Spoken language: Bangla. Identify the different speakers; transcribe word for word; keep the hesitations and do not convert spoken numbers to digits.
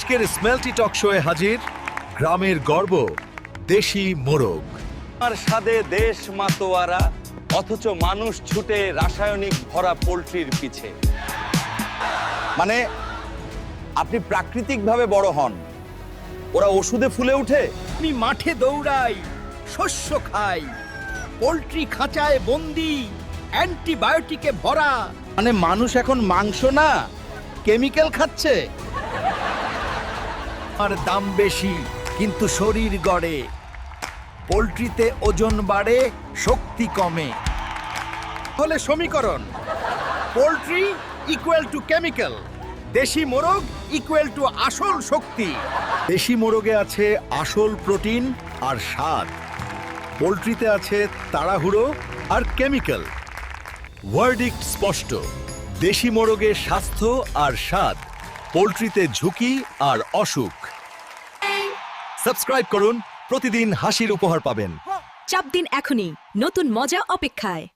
Speaker 1: আজকের স্মেলটি টক শোয়ে হাজির গ্রামের গর্ব দেশি মোরগ।
Speaker 2: আর স্বাদে দেশ মাতোয়ারা, অথচ মানুষ ছুটে রাসায়নিক ভরা পোল্ট্রির পিছে। মানে আপনি প্রাকৃতিকভাবে বড় হন, ওরা ওষুধে ফুলে উঠে।
Speaker 3: আমি মাঠে দৌড়াই, শস্য খাই, পোল্ট্রি খাঁচায় বন্দি, অ্যান্টিবায়োটিকে ভরা।
Speaker 2: মানে মানুষ এখন মাংস না কেমিক্যাল খাচ্ছে।
Speaker 3: আর দাম বেশি কিন্তু শরীর গড়ে। পোল্ট্রিতে ওজন বাড়ে, শক্তি কমে। হলে সমীকরণ পোল্ট্রি ইকুয়াল টু কেমিক্যাল, দেশি মোরগ ইকুয়াল টু আসল শক্তি।
Speaker 1: দেশি মোরগে আছে আসল প্রোটিন আর স্বাদ, পোলট্রিতে আছে তাড়াহুড়ো আর কেমিক্যাল। ভার্ডিক্ট স্পষ্ট, দেশি মোরগে স্বাস্থ্য আর স্বাদ, পোলট্রিতে ঝুঁকি আর অসুখ। সাবস্ক্রাইব করুন, প্রতিদিন হাসির উপহার পাবেন।
Speaker 4: চাপ দিন এখনই, নতুন মজা অপেক্ষায়।